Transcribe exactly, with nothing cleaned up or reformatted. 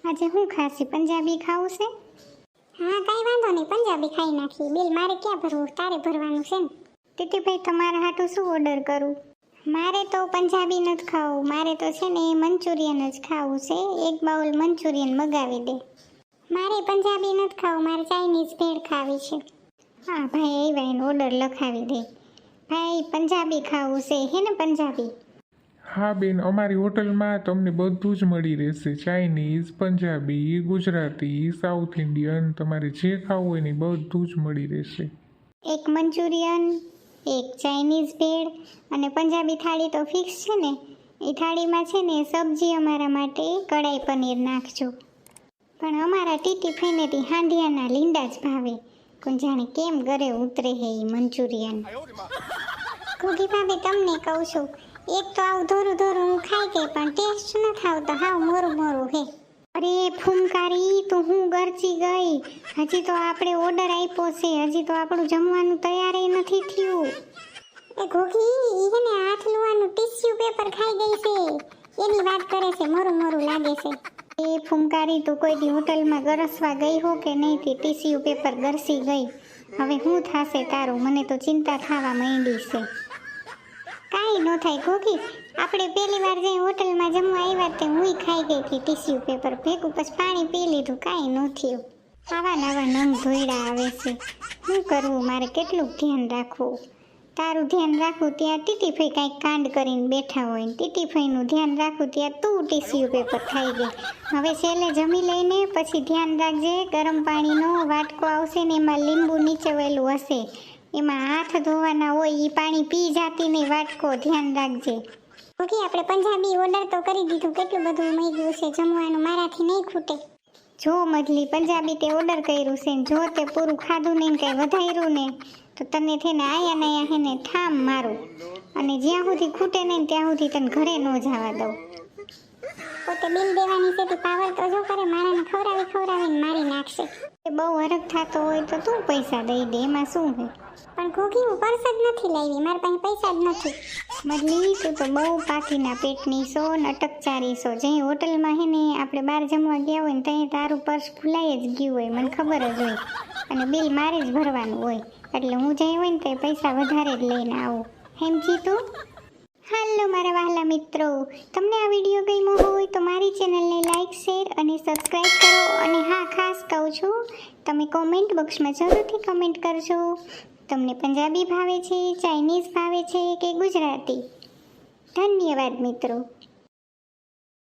આજે હું ખાસી પંજાબી ખાવું છે? હા કઈ વાંધો નહીં, પંજાબી ખાઈ નાખી. બિલ મારે ક્યાં ભરવું, તારે ભરવાનું છે ને. ટીટીભાઈ તમારા હાટું શું ઓર્ડર કરું? મારે તો પંજાબી નથી ખાવું, મારે તો છે ને મંચુરિયન જ ખાવું છે. એક બાઉલ મંચુરિયન મગાવી દે. મારે પંજાબી નથી ખાવું, મારે ચાઇનીઝ ભેળ ખાવી છે. હા ભાઈ આવ્યા એનો ઓર્ડર લખાવી દે. ભાઈ પંજાબી ખાવું છે હે ને? પંજાબી. હા બેન, અમારી હોટલમાં તમને બધું જ મળી રહેશે. Chinese, Punjabi, Gujarati, south Indian, તમારે જે ખાવું હોય ને બધું જ મળી રહેશે. એક મંચુરિયન, એક ચાઇનીઝ ભેળ અને પંજાબી થાળી તો ફિક્સ છે ને? એ થાળીમાં છે ને સબ્જી અમારા માટે કઢાઈ પનીર નાખજો. પણ અમારા ટીટીભાઈને હાંડિયાના લીંડા જ ભાવે. કોણ જાણે કેમ ઘરે ઉતરે હે એ મંચુરિયન. ઘૂઘી ભાભી તમને કહું છું, એક તો આવું ધોરું ધોરું હું ખાઈ ગઈ પણ ટેસ્ટ નથી આવતો, હાવ મોરું મોરું હે. અરે ફૂમકારી, તો હું ગરચી ગઈ. હજી તો આપણે ઓર્ડર આપ્યો છે, હજી તો આપણું જમવાનું તૈયાર નથી થયું. એ ઘૂઘી એને હાથ લુવાનું ટીશ્યુ પેપર ખાઈ ગઈ છે, એની વાત કરે છે. મોરું મોરું લાગે છે. એ ફૂમકારી, તું કોઈ દી હોટલમાં ગરસવા ગઈ હો કે નહીં? તે ટીશ્યુ પેપર ગરસી ગઈ. હવે શું થશે તારું? મને તો ચિંતા થવા માંડી છે. કાંઈ ન થાય ઘૂઘી, આપણે પહેલી વાર જે હોટલમાં જમવા આવ્યા તે હુંય ખાઈ ગઈ હતી ટીશ્યુ પેપર ભેગું, પછી પાણી પી લીધું, કાંઈ ન થયું. આવા નવા નંગ ધોઈડા આવે છે. શું કરવું મારે? કેટલું ધ્યાન રાખવું? તારું ધ્યાન રાખવું ત્યાં ટીટીભાઈ કાંઈક કાંડ કરીને બેઠા હોય, ટીટીભાઈનું ધ્યાન રાખવું ત્યાં તું ટીશ્યુ પેપર ખાઈ ગઈ. હવે છેલ્લે જમી લઈને પછી ધ્યાન રાખજે. ગરમ પાણીનો વાટકો આવશે ને એમાં લીંબુ નીચેવેલું હશે, એમાં હાથ ધોવાના હોય, એ પાણી પી જાતી નહીં વાટકો, ધ્યાન રાખજે. ઓકે, આપણે પંજાબી ઓર્ડર તો કરી દીધું, કેટલું બધું મળી ગયું છે જમવાનું, મારાથી નહીં ખૂટે. જો મજલી, પંજાબી તે ઓર્ડર કર્યું છે ને જો તે પૂરું ખાધું નહીં, કંઈ વધાર્યું ને તો તને થઈને આયા ને આયા હે ને ઠામ મારું. અને જ્યાં સુધી ખૂટે નહીં ત્યાં સુધી તને ઘરે ન જવા દઉં. પોતે બિલ દેવાની છે તે પાવર તો જો કરે, મારાને ખવડાવી ખવડાવીને મારી નાખશે. એ બહુ હરખ થતો હોય તો તું પૈસા દઈ દે, એમાં શું છે? પણ ઘૂઘી હું પર્સ જ નથી લાવી, મારી પાસે પૈસા જ નથી. મજલી, તું તો બહુ પાકીના પેટની સો ને અટકચારી સો. જે હોટલમાં હે ને આપણે બહાર જમવા ગયા હોય ને ત્યાં તારું પર્સ ભૂલાઈ જ ગયું હોય, મને ખબર જ હોય. અને બિલ મારે જ ભરવાનું હોય, એટલે હું જઈ હોય ને તે પૈસા વધારે જ લઈને આવું. હેમજી તું? હાલો મારા વહાલા મિત્રો, તમને આ વિડીયો ગમ્યો હોય તો મારી ચેનલને લાઈક, શેર અને સબસ્ક્રાઈબ કરો. અને હા, ખાસ કહું છું, તમે કોમેન્ટ બોક્સમાં જરૂરથી કમેન્ટ કરજો. તમને પંજાબી ભાવે છે, ચાઇનીઝ ભાવે છે કે ગુજરાતી? ધન્યવાદ મિત્રો.